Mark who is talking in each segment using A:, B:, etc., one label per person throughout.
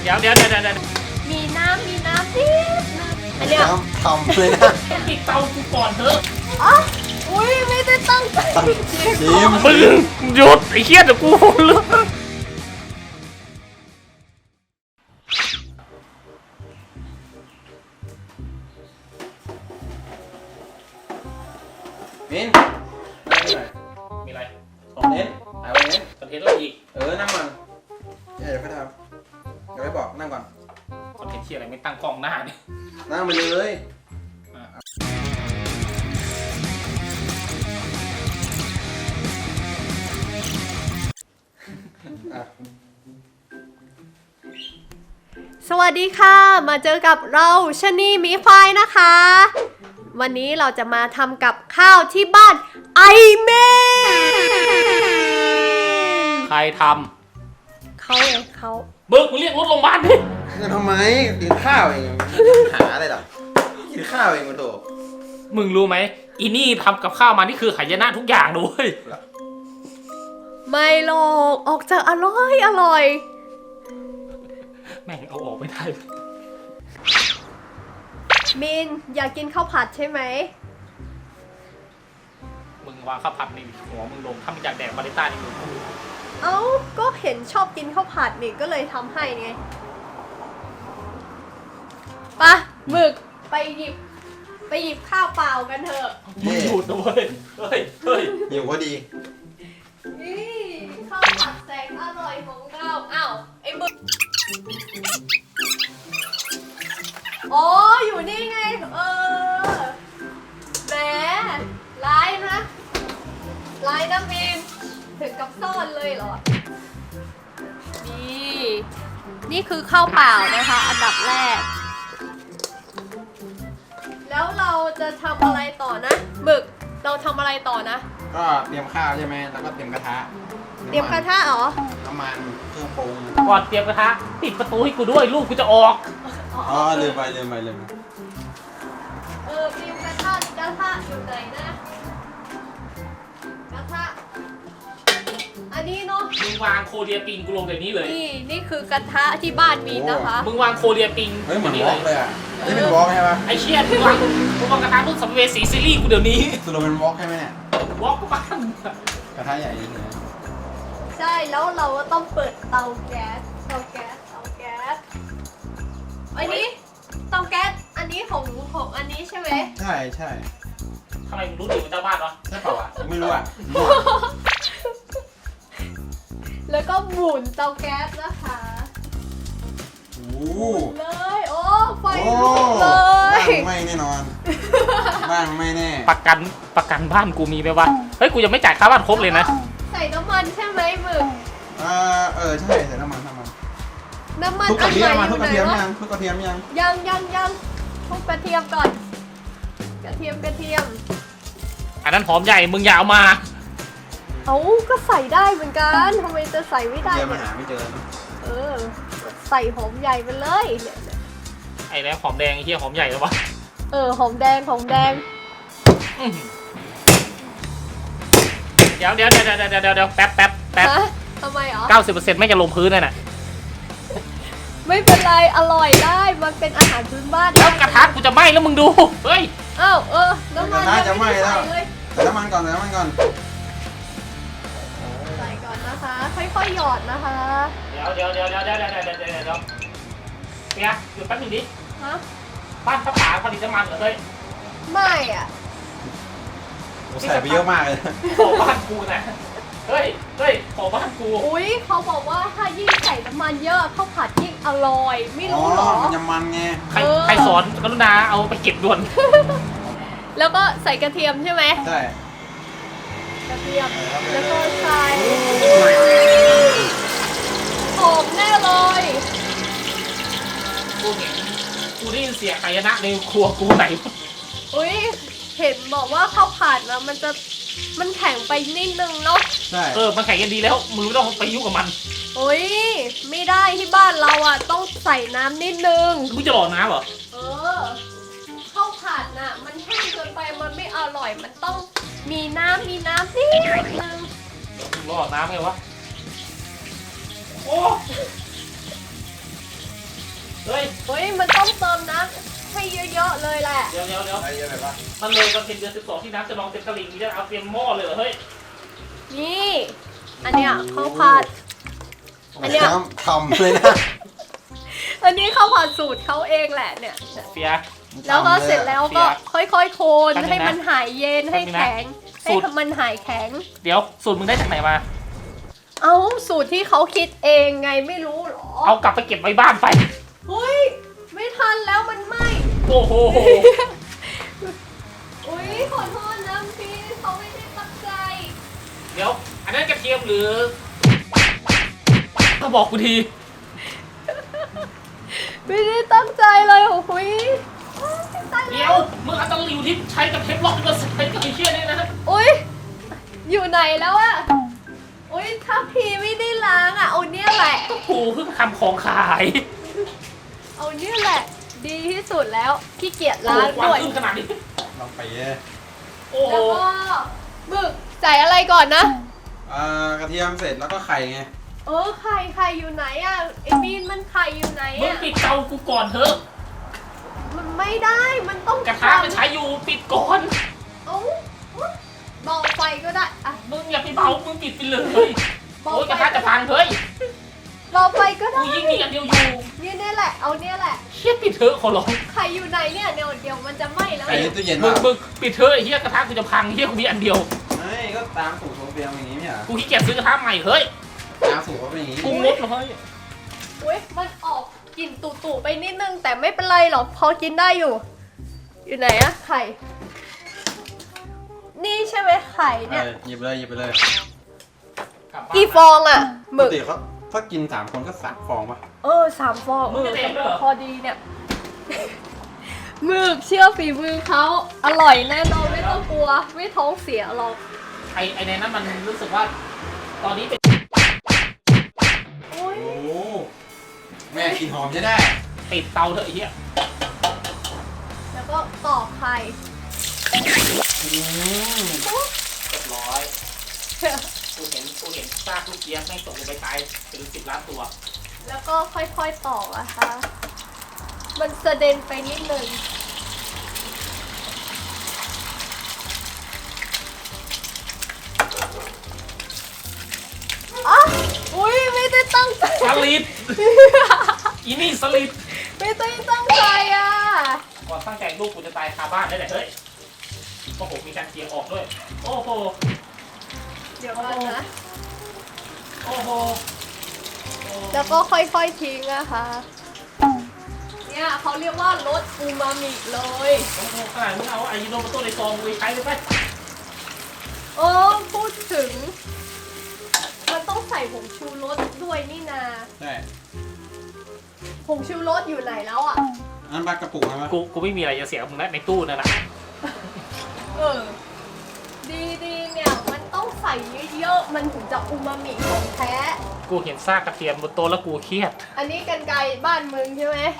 A: เดี๋ยว
B: มีน้ำนิดนึงอันเนี้ย
C: น้ำทำเลยนะ
A: ปิดเตากูก่อนเถอะ
B: อ๋ออุ้ยไม่ได้ตั้งใจ
C: จิม
A: มึงหยุดไอ้เหี้ยเดี๋ยวกูเลือก
C: มินนั่งหน่อย
A: มีอะไร
C: เน้นหายไปเน้น
A: คอนเทนต์อะไรอีก
C: นั่งก่อนเดี๋ยวค่อยทำเดี๋ยวไปบอกนั่งก่อน
A: คอนเทนต์ที่อะไรไม่ตั้งกล้องหน้าเนี่ย
C: นั่งไปเลยอ่ะ
B: สวัสดีค่ะ มาเจอกับเราชะนีหมีควายนะคะ วันนี้เราจะมาทำกับข้าวที่บ้านไอเมน
A: ใครท
B: เขาเองเขา
A: ำเบิกมึงเรียกรถโรงพยาบาลดิ
C: จะทำไมกินข้าวเองหาอะไรหรอกินข้าวเองมาโถ
A: มึงรู้ไหมอีนี่ทำกับข้าวมานี่คือหายนะทุกอย่างด้วย
B: ไม่หรอกออกจะอร่อย
A: แม่งเอาออกไม่ได้
B: มินอยากกินข้าวผัดใช่ไหม
A: มึงวางข้าวผัดในหัวมึงลงถ้ามึงอยากแดกมาริต้านี่มึงพูด
B: เอ้าก็เห็นชอบกินข้าวผัดนี่ก็เลยทำให้ไงไปะหมึกไปหยิบข้าวเปล่ากันเถอะ
A: มึงหยุดด้วยเฮ้ย
C: หิวก็ดี
B: นี่ข้าวผัดแสนอร่อยของเราอ้าวไอ้หมึกอ๋ออยู่นี่ไงแหมร้ายนะมินถึงกับซ่อนเลยเหรอนี่คือข้าวเปล่านะคะ อันดับแรก แล้วเราจะทำอะไรต่อนะหมึกเราทำอะไรต่อนะ
C: ก็เตรียมข้าวใช่ไหมแล้วก็เตรียมกระทะ
B: เตรียมกระทะเหรอ
C: น้ำมันเครื่องปรุง
A: ก่อนเตรียมกระทะปิดประตูให้กูด้วยลูกกูจะออก
C: อ๋อลืมไป
B: เตรียมกระทะอยู่ไหนนะกระทะอันนี้เนาะ
A: มึงวางโคเรียปิงกูลงเดี๋ยวนี้เลย
B: นี่คือกระทะที่บ้านมีนะคะ
A: มึงวางโคเรียปิง
C: เฮ้ยเหมือนวอล์กเลยอ่ะนี่เป็นวอล์กใช่ปะ
A: ไอ้เชี่ยมึงวางกระทะรุ่นสัมภเวสีซีรีส์กูเดี๋ยวนี้
C: สรุปเป็นวอล์กใช่ไหมเนี่ยว
A: อล์กกูบ้าน
C: กระทะใหญ่เลย
B: ใช่แล้วเราก็ต้องเปิดเตาแก๊สอันนี้เตาแก๊สอันนี้ของอันนี้ใช่ไหม
C: ใช่ใช่
A: ทำไมมึงรู้อยู่เป็นเจ้าบ้านวะ
C: ใช่เปล่าอ่ะไม่รู้อ่ะ
B: แล้วก็หมุนเตาแก๊สนะคะ
C: โอ้โห
B: เลยโอ้ไฟ
C: โอ้
B: ลุกเลย
C: บ้านไม่แน่นอนบ้านไม่แน่
A: ประกันบ้านกูมีไหมวะเฮ้ยกูยังไม่จ่ายค่าบ้านครบเลยนะ
B: ใส่น้ำมันใช่ไหมหมึก
C: ใช่ใส่น้ำมัน
B: น้ำมัน
C: ทุกกระเทียมมา
B: อั
C: ทุก
B: น
C: กระ
B: ไหน
C: เทียม
B: วะ
C: ยังทุกกระเทียมยัง
B: ยังทุกกระเทียมก่อนกระเทียม
A: อันนั้นหอมใหญ่มึงอย่าเอามา
B: เอาก็ใส่ได้เหมือนกันทำไมจะใส่ไม่
C: กระ
B: ได้
C: เทียมมา
B: เนี่ย
C: หาไม่เจอ
B: ใส่หอมใหญ่ไปเลยเนี่ย
A: ไอ้แล้วหอมแดงไอ้เหี้ยหอมใหญ่แล้ววะ
B: หอมแดง
A: อื้อหือเดี๋ยวแป๊บ
B: ฮะทำไมอ๋อ
A: 90%ไม่จะลงพื้นเลยน่ะ
B: ไม่เป็นไรอร่อยได้มันเป็นอาหารพื้นบ้าน
A: แล้วกระทะกูจะไหม้แล้วมึงดูเฮ้ย
B: อ้าวน้ำมันยังไม่ได้ใส่เลย
C: ใส่น้ำมันก่อน
B: ใส่ก่อนนะคะค่อยๆหยอดนะคะ
A: เดี๋ยวเปียกหยุดแป๊บนึงดิ
B: ฮะ
A: บ้านพระผาผลิตน้ำมันเหรอเฮ้ย
B: ไม่อ่ะ
C: ใส่ไปเยอะมากเลย
A: ขอบ้านกูนะเฮ้ยขอบ้านกู
B: อุ๊ยเขาบอกว่าถ้ายิ่งใส่น้ำมันเยอะข้าวผัดยิ่งอร่อยไม่รู้เหรอ
C: มันจะมันไง
A: ใครสอนกรุณาเอาไปเก็บด่วน
B: แล้วก็ใส่กระเทียมใช่ไหม
C: ใช่
B: กระเทียมแล้วก็ใส่หอมแน่เลย
A: กูได้ยินเสียงหายนะในครัวกูไหน
B: อุ๊ยเห็นบอกว่าข้าวผัดนะมันแข็งไปนิดนึงเนาะ
C: ใช่
A: มันแข่งกันดีแล้วมึงไม่ต้องไปยุ่งกับมัน
B: อุ๊ยไม่ได้ที่บ้านเราอ่ะต้องใส่น้ำนิดนึง
A: มึงจะหล่อน้ำเหรอ
B: ข้าวผัดน่ะมันแห้งเกินไปมันไม่อร่อยมันต้องมีน้ำนิดนึง
A: มึงหล่อน้ำไงวะโอ้
B: เยอะเลยแหละ
A: เดี๋ยว
C: อะไรเยอะไปปะ
A: มันเลยวันเพ็ญเดือน12ที่น้ำจะลองเต็มตลิ่งนี่จะเอาเตรียมหม้อเลยเหรอเฮ้ย
B: นี่ อันเนี้ยข้าวผัด อันเนี้ย
C: ทำเลยนะ
B: อันนี้ข้าวผัดสูตรเขาเองแหละเนี่ย
A: เฟีย
B: แล้วก็เสร็จแล้วก็ค่อยๆ โคน
A: แป๊บนึงนะ
B: ให้มันหายเย็นให้แข็ง
A: สู
B: ให้
A: ตร
B: มันหายแข็ง
A: เดี๋ยวสูตรมึงได้จากไหนมา
B: เอาสูตรที่เขาคิดเองไงไม่รู้หรอ
A: เอากลับไปเก็บไว้บ้านไป
B: เฮ้ยไม่ทันแล้วมันไหม้
A: โอ้โห
B: อุ้ยขอโทษนะพี่เขาไม่ได้ตั้งใจ
A: เดี๋ยว อันนั้นกระเทียมหรือก็บอกกูที
B: ไม่ได้ตั้งใจเลยโอ้ยตาย
A: เดี๋
B: แล้
A: ยว วมึงเอาตะหลิวที่ใช้กับเทปล็อกมาใส่กับไอ้เชี่ยนี่นะ
B: อุ้ยอยู่ไหนแล้วอะอุ้ยถ้าพี่ไม่ได้ล้างอะเอาเนี่ยแหละ
A: กูเพิ่งทำของขาย
B: เอาเนี่ยแหละ ดีที่สุดแล้วขี้เกียจ
A: โอ้
B: ล้าง
A: โหควัน
B: ด้วย
A: ขึ้นขนาดนี้
C: ลองไปเยอะ
A: โอ้โห
B: แล้วก็หมึกใส่อะไรก่อนนะ
C: กระเทียมเสร็จแล้วก็ไข่ไง
B: ไข่อยู่ไหนอะไอ้มีนมันไข่อยู่ไหน
A: มึง
B: อะ
A: ปิดเตากูก่อนเถอะ
B: มันไม่ได้มันต้อง
A: กระทะมันใช้อยู่ปิดก่อน
B: เอ้าเบาไฟก็ได้อะ
A: มึงอย่าไปเบา มึงปิดไปเลย
B: เบา
A: โอ้ยก
B: ไฟ
A: ระทะจะพังเฮ้ย
B: เบาไฟก็ได้
A: กูยิ่งมีอันเดียวอยู่
B: เนี่ยแหละเอาเนี่ยแหละ
A: เชี่ยปิดเถอะขอร้อง
B: ไข่อยู่ไหนเนี่ยเดี๋ยวมันจะไหม้แล้ว
C: ไข่ในตู้เย็น
A: มึ
C: ป่ะ
A: งปิดเถอะไอ้เหี้ยกระทะกูจะพังเหี้ยกูมีอันเดียว
C: ไม่ก็ตามสูตรโซเฟียมอย่างนี้เนี่ย
A: กูขี้เกียจซื้อกระทะใหม่เฮ้ย
C: ตามสูตรเขาเป็นอย่างนี้
A: กูงดเลย
B: อุ้ยมันออกกลิ่นตุ่ๆไปนิดนึงแต่ไม่เป็นไรหรอกพอกินได้อยู่ อยู่ไหนอะไข่ นี่ใช่ไหมไข่เนี่ย
C: หยิบเลยหยิบไปเลย
B: กี่ฟองอะห
C: ป
B: มึ
C: ก
B: ก
C: ติเขาถ้ากิน3 คนก็3 ฟองป่ะ
B: 3 ฟองพอดีเนี่ย หมึกเชื่อฝีมือเขาอร่อยแน่นอนไม่ต้องกลัว ไม่ท้องเสียหรอก
A: ไอในนั้นมันรู้สึกว่า ตอนนี้เป็น
B: โอ้ย
C: โอ้แม่กินหอมจะได้
A: ปิดเตาเถอะไอ้เหี้ย
B: แล้วก็ตอกไข่
A: เรียบร้อย กูเห็นซากลูกเจี๊ยบไม่งตกลงไปตายเป็น10 ล้านตัว
B: แล้วก็ค่อยๆตอกนะคะ มันสะเด็นไปนิดนึงอ่ะอุ้ยไม่ได้ตั้งใจ
A: สลิด อีนี่สลิด
B: ไม่ได้ตั้งใจอ่ะ
A: ก่อนตั้งใจลูกกูจะตายคาบ้านได้แหละเฮ้ยโอ้โหมีการเสียงออกด้วย โอ้โห
B: เดี๋ยวกันนะ
A: โอ้โห
B: แล้วก็ค่อยๆทิ้งนะคะ เนี่ยเขาเรียกว่ารสอูมามิเลย
A: โอ้โหขนาดมึงเอาไอายิโนโมโต้ในซองไปใช้เลยไป
B: พูดถึง มันต้องใส่ผงชูรสด้วยนี่นา
C: ใช่
B: ผงชูรสอยู่ไหนแล้วอ่ะ
C: อันปลากระปุกไหม
A: กูไม่มีอะไรจะเสียกับมึงแล้วในตู้นั่นแหละ
B: ดีเนี่ยมันต้องใส่เยอะๆมันถึงจะอูมามิของแท้
A: กูเห็นซากกระเทียมบนโต๊ะแล้วกูเครียด
B: อันนี้กันไกรบ้านมึงใช่ไหม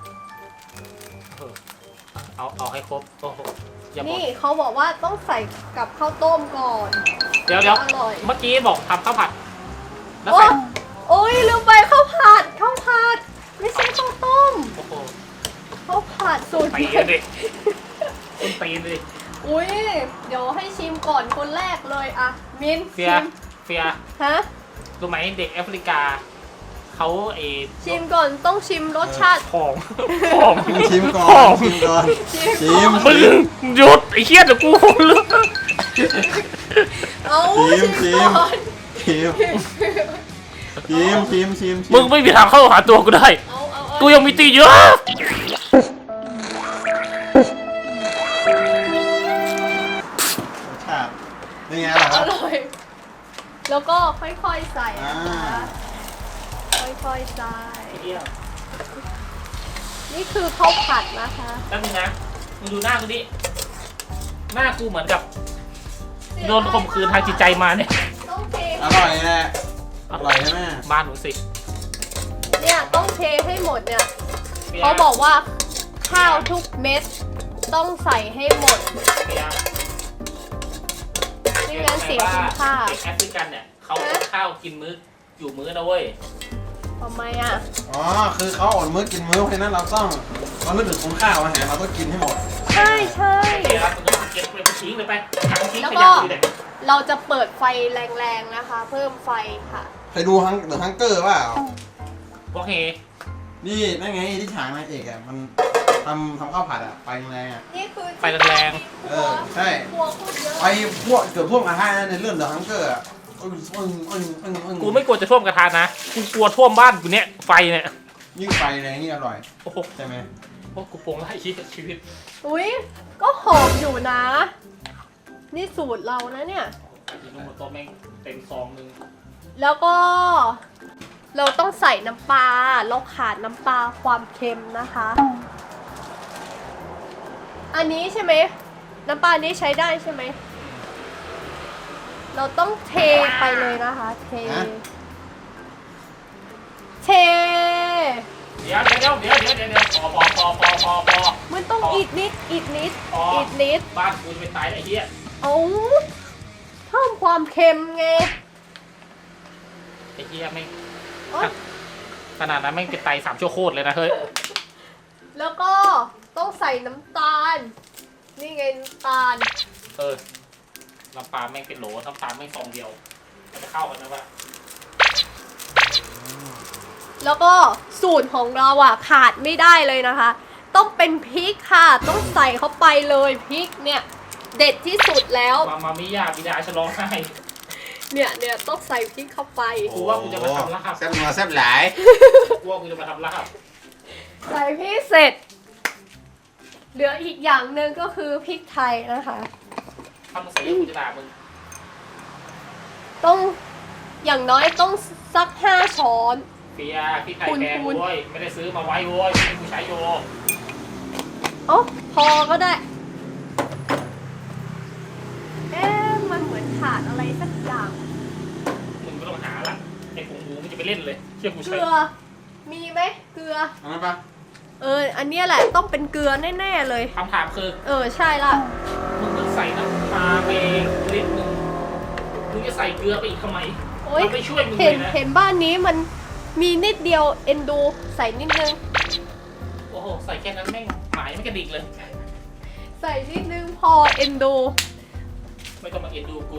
A: เอาให้ครบ โอ้โหอย่าบอก
B: นี่เขาบอกว่าต้องใส่กับข้าวต้มก่อน
A: เดี๋ยว
B: อร่อย
A: เมื่อกี้บอกทำข้าวผัด แล้ว
B: โอ้
A: ใส่
B: โอ้ยลืมไปข้าวผัดไม่ใช่ข้าวต้ม
A: โอ้โห
B: ข้าวผัดสูตร
A: ตี
B: ใหม่
A: เลยดิต้นตีนเลย
B: อุ้ยเดี๋ยวให้ชิมก่อนคนแรกเลยอะมิน
A: เฟีย
B: ชิมฮะ
A: รู้ไหมเด็กแอฟริกา เขา
B: ชิมก่อนต้องชิมรสชาติ
A: ของ
C: ชิมก่อน ชิมก่อน ชิม
A: มึงหยุดไอ้เหี้ยเดี๋ยวกูคนลุก
B: เอา
C: ชิม
B: ก่อน
C: ชิมชิม
A: มึงไม่มีทางเข้าหาตัวกูได้ กูยังมีตีเยอะ
C: รสชาติเป็นไงล่ะค
B: อ
C: รับ
B: ร่อย แล้วก็ค่อยๆใส่นะคะค่อยๆใส่ นี่คือข้าวผัดนะคะ
A: แล้วมึงนะ มึงดูหน้ากูดิ หน้ากูเหมือนกับโดนข่มขืนทางจิตใจมาเนี่ย
B: ต้องเท
C: อร่อยแหละอร่อยใช่ไหม
A: บ้านหนูสิ
B: เนี่ยต้องเทให้หมดเนี่ย เขาบอกว่าข้าวทุกเม็ดต้องใส่ให้หมด ไม่งั้นเสียคุณค่า
A: เด็กแอฟริกันเนี่ยเขาอดข้าวกินมื้ออยู่มื้อนะเว้ย
B: ทำไมอ่ะ
C: อ๋อคือเขาอดมื้อกินมื้อเพราะฉะนั้นเราต้องเรานึกถึงคุณค่าของอาหารเราต้องกินให้หมด
B: ใช่ใช่
A: เดี๋ยวเราเก็บไปทิ้งเลยไปถังทิ้ง
B: แล้ว
A: ข
B: ก็
A: ยะเลยเนี่ย
B: เราจะเปิดไฟแรงๆนะคะ เพิ่มไฟค่ะ
C: เคยดูเดอะฮังเกอร์เปล่า
A: โอเค
C: นี่นั่นไงที่ฉากนางเอกอ่ะมันทำข้าวผัดอ่ะไฟแรงอ่ะ
B: นี่คือ
A: ไฟแรง
C: ใช่
B: ครัวพูดเยอะ
C: ไฟพวกเกือบท่วมกระทะนะในเรื่องเดอะฮังเกอร์อ่ะ
A: กูไม่กลัวจะท่วมกระทะนะกูกลัวท่วมบ้านกูเนี่ยไฟเนี่ย
C: ยิ่งไฟแรงยิ่งอร่อย
A: โอ้โห
C: ใช่ไหม
A: กูโปร่งไล่ชีวิต
B: อุ้ยก็หอมอยู่นะ นี่สูตรเรานะเนี่ย
A: กินทั้งหมดตัวแม่งเต็มซองนึง
B: แล้วก็ เราต้องใส่น้ำปลา เราขาดน้ำปลาความเค็มนะคะ อันนี้ใช่ไหม น้ำปลานี้ใช้ได้ใช่ไหม เราต้องเทไปเลยนะคะ เท
A: เดี๋ยวพอ
B: มันต้องอีกนิด อีกนิด
A: พอ
B: อีกนิด
A: บ้านกูจะไปตายไอ้เหี้ย
B: เอาเพิ่มความเค็มไง
A: ไอ้เหี้ยไม่
B: โอ๊ย
A: ขนาดนั้นไม่เป็นไต3 ชั่วโคตรเลยนะเฮ้ย
B: แล้วก็ต้องใส่น้ำตาล นี่ไงน้ำตาล
A: น้ำปลาแม่งเป็นโหลน้ำตาลแม่งซองเดียวมันจะเข้ากันนะวะ
B: แล้วก็สูตรของเราอ่ะขาดไม่ได้เลยนะคะ ต้องเป็นพริกค่ะ ต้องใส่เข้าไปเลยพริกเนี่ย เด็ดที่สุดแล้ว
A: มามิยาบิดาฉลองให้
B: เนี่ยต้องใส่พริกเข้าไป
A: กูว่ากูจะมาทำลาบ
C: แซ่บนัวแซ่บหลาย
A: กูว่ากูจะมาทำลาบ
B: ใส่พริกเสร็จ เหลืออีกอย่างหนึ่งก็คือพริกไทยนะคะ
A: ทำใส่เยอะกูจะด่ามึง
B: ต้องอย่างน้อยต้องสัก5 ช้อน
A: เปียพี่ไข่แพงโว้ยไม่ได้ซื้อมาไว้โว้ยไม่กูใช้โย
B: อ๋อพอก็ได้ มันเหมือนขาดอะไรสักอย่าง
A: มึงก็ต้องหาละไอ้ผงหมูมึงจะไปเล่นเลยเชื่อกู
B: เก
A: ใช้
B: ลือ มีไหมเกลือ
C: เอาไหมปะ
B: อันเนี้ยแหละต้องเป็นเกลือแน่ๆเลย
A: คำถามคือ
B: ใช่ละ
A: มึงต้องใส่น้ำปลาไปลิตรนึงมึงจะใส่เกลือไปอีกทำไม
B: โอ๊ย
A: มันไม่ช่วยมึง
B: เห็
A: เล
B: น
A: ยนะ
B: เห็นบ้านนี้มันมีนิดเดียวเอ็นดูใส่นิดนึง
A: โอ้โหใส่แค่นั้นแม่งหมายไม่กระดิกเลย
B: ใส่นิดนึงพอเอ็นดู
A: ไม่ต้องมาเอ็นดูกู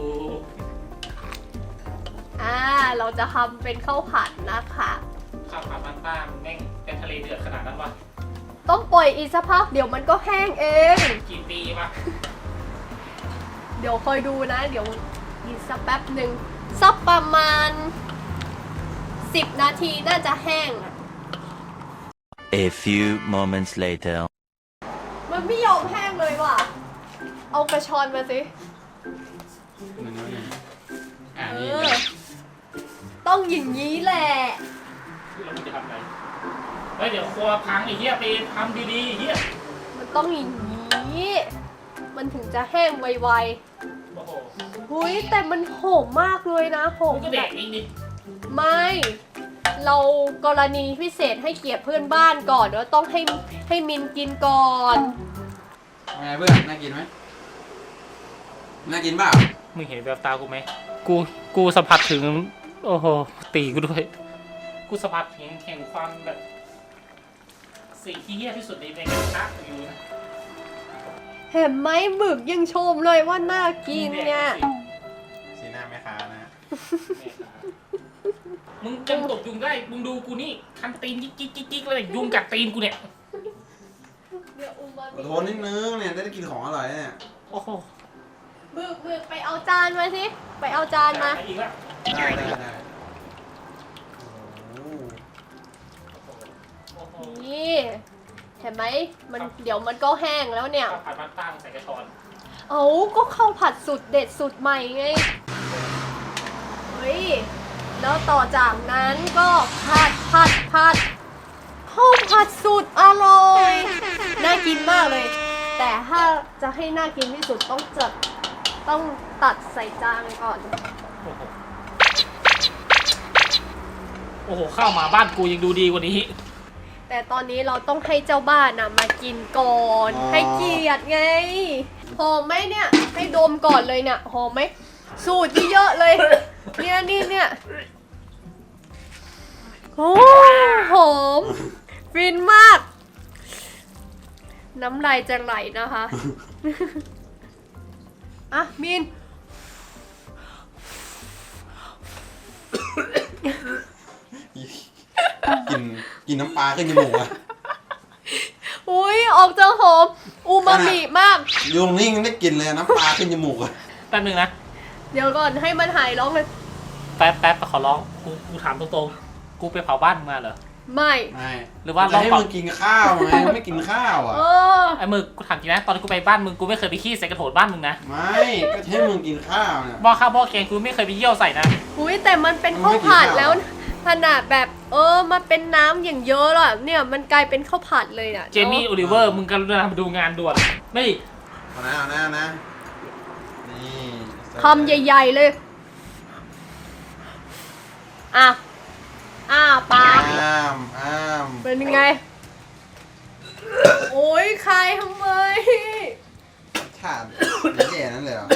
B: เราจะทำเป็นข้าวผัดนะคะ
A: ข้าวผัดบ้านๆแม่งเป็นทะเลเดือดขนาดนั้นวะ
B: ต้องปล่อยอีกสักพักเดี๋ยวมันก็แห้งเอง
A: กี่ปีวะ
B: เดี๋ยวคอยดูนะ เดี๋ยวอีกสักแป๊บหนึ่งสักประมาณ10 นาทีน่าจะแห้ง
D: A few moments later.
B: มันไม่ยอมแห้งเลยว่ะ เอากระชอนมาสิ
C: นี่
B: ต้องอย่างนี้แหละ
A: แล้วมึงจะทำไงเฮ้ยเดี๋ยวครัวพังไอ้เหี้ยไปทำดีๆไอ้เหี้ย
B: มันต้องอย่างนี้ มันถึงจะแห้งไว
A: โอ้โห
B: ๆหุยแต่มันหอมมากเลยนะหอม
A: มึงก็แดกเองดิ
B: ไม่ เรากรณีพิเศษให้เกียรติเพื่อนบ้านก่อนว่าต้องให้มินกินก่อน
C: ไงเพื่อนน่ากินไหมน่ากินเปล่า
A: มึงเห็นแววตากูไหมกูสัมผัสถึงโอ้โหตีกูด้วยกูสัมผัสถึงแห่งความแบบสิ่งที่เหี้ยที่สุดในกระทะอยู่นะ
B: เห็นไหมหมึกยังชมเลยว่าน่ากินเนี่ย
C: สีหน้าแม่ค้านะ
A: มึงจะตกยุงได้ มึงดูกูนี่คันตีนกิ๊กเลยยุงกัดตีนกูเนี่ย
B: เดี๋ยวอุมา
C: อดทนนิดนึงเนี่ยได้กินของอร่อยเนี่ย
A: โอ้โห
B: หมึกไปเอาจานมาสิ ไปเอาจานมา
A: อีกแล้ว
C: ได้โอ้โห
A: โอ้โห
B: นี่ เห็นไหมมันเดี๋ยวมันก็แห้งแล้วเนี่ย
A: ข้าวผัดบ้านป้ามึงใส่กระชอน
B: เอาก็ข้าวผัดสูตรเด็ดสูตรใหม่ไง เฮ้ย แล้วต่อจากนั้นก็ผัดข้าวผัดสูตรอร่อย น่ากินมากเลย แต่ถ้าจะให้น่ากินที่สุดต้องตัดใส่จานก่อน
A: โอ้โหโอ้โหข้าวหมาบ้านกูยังดูดีกว่านี้
B: แต่ตอนนี้เราต้องให้เจ้าบ้านนะมากินก่อน ให้เกียรติไง หอมไหมเนี่ย ให้ดมก่อนเลยเนี่ย หอมไหม สูตรเยอะๆเลย เนี่ยโอ้หอม ฟินมากน้ำลายจะไหลนะคะ อ่ะมิน
C: กินน้ำปลาขึ้นจมูกอะ
B: อุ้ยออกจะหอมอูมามิมาก
C: ยุงนี่ยังได้กลินเลยน้ำปลาขึ้นจมูกอะ
A: แป๊บนึงนะ
B: เดี๋ยวก่อนให้มันหายร้องเลย
A: แป๊บขอร้อง กูถามตรงๆ กูไปเผาบ้านมึงมาเหรอ
B: ไม่
C: ไม่
A: หรือว่า
C: จะให้มึงกินข้าวไงไม่กินข้าวอ่ะ
B: เออ
A: ไอ้มึงกูถามจริงนะ ตอนที่กูไปบ้านมึง กูไม่เคยไปขี้ใส่กระโถนบ้านมึงนะ
C: ไม่ก็จะให้มึงกินข้าวเนี่ย
A: หม้อข้าวหม้อแกงกูไม่เคยไปเยี่ยวใส่นะ
B: อุ้ยแต่มันเป็นข้าวผัดแล้วขนาดแบบมันเป็นน้ำอย่างเยอะแล้วอะเนี่ยมันกลายเป็นข้าวผัดเลยอ่ะ
A: เจมี่โอลิเวอร์ มึงกรุณามาดูงานด่วน ไม่
C: เอานะนี่
B: คำใหญ่ๆเลยอ่ะปาก
C: อ้าม
B: เป็นยังไง โอ้ยใครทำไม
C: ชาติแย่นั่นเลยเหรอ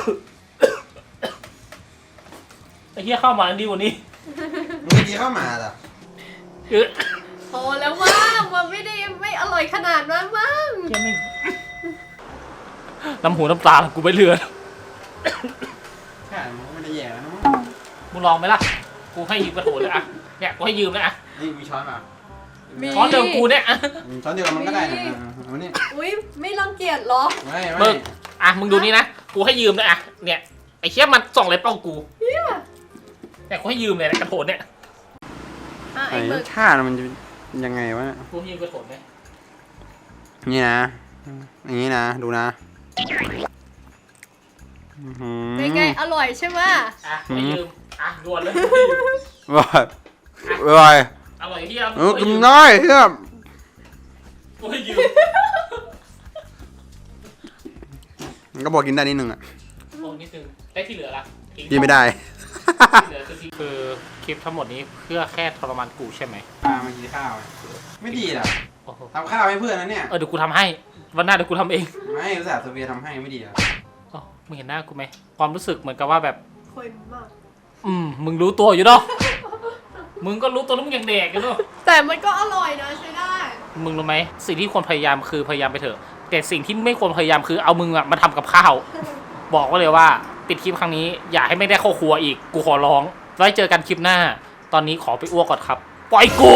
A: ไอ้เหี้ยเข้ามาดีกว่านี้
C: มึงไม่กินข้าวหมาเหรอ
B: พอแล้วมั้งมันไม่อร่อยขนาดนั้นมั้ง
A: เหี้ยไม่น้ำหูน้ำตากูไม่เหลือ
C: ชาติมันก็ไม่ได้แย่นะ
A: มึงลองไหมล่ะ กูให้ยืมกระโถนเลยอะเนี่ยกูให้ยืมเลยอะ
C: นี่มีช้อนป่ะ
B: มี
A: ช้อนเดิมกูเนี่ยอะ
C: ช้อนเดียวกันมันก็ได้นะเอานี่
B: อุ้ยไม่รังเกียจเหรอ
C: ไม่
A: มึงอะมึงดูนี่นะ กูให้ยืมเลยอะเนี่ย ไอ้เชี่ยมันส่องเลยเป้ากูเนี่ยกูให้ยืมเลยนะกระโถนเนี่ย
B: ไอ้หมึก
C: ชาติมันจะยังไงวะ
A: กูให้ยืมกระโถนเนี่ย
C: นี่นะอย่างนี้นะดูนะ
B: เป็นไงอร่อยใช่ไหม
A: อะกูให้ยืมอะด่วนเลย
C: ว้าย
A: อร่อยที่ยัง
C: กินได้เฮีย
A: กูให้ยืม
C: มันก็บอกกินได้นิดนึงอ่ะ
A: โอ้นิดนึงได้ที่เหลือละทิ้ง
C: กินไม่ได้
A: ที่เหลือคือทิ้งคือคลิปทั้งหมดนี้เพื่อแค่ทรมานกูใช่ไหม
C: มากินข้าวไม่ดีหรอ
A: โอ้โห
C: ทำข้าวให้เพื่อนนะเนี่ย
A: เดี๋ยวกูทำให้วันหน้าเดี๋ยวกูทำเอง
C: ไม่รู้สึกเวียทำให้ไม่ดีหรอ
A: อ๋อมึงเห็นหน้ากูไหมความรู้สึกเหมือนกับว่าแบบ
B: เค็มมาก
A: มึงรู้ตัวอยู่เนาะ มึงก็รู้ตัวแล้วมึงยังเด็กอยู่เนาะ
B: แต่มันก็อร่อยนะใช้ได้
A: มึงรู้ไหมสิ่งที่ควรพยายามคือพยายามไปเถอะ แต่สิ่งที่ไม่ควรพยายามคือเอามึงอะมาทำกับข้าว บอกไว้เลยว่าปิดคลิปครั้งนี้อย่าให้ไม่ได้เข้าครัวอีก กูขอร้อง ไว้เจอกันคลิปหน้า ตอนนี้ขอไปอ้วกก่อนครับ ปล่อยกู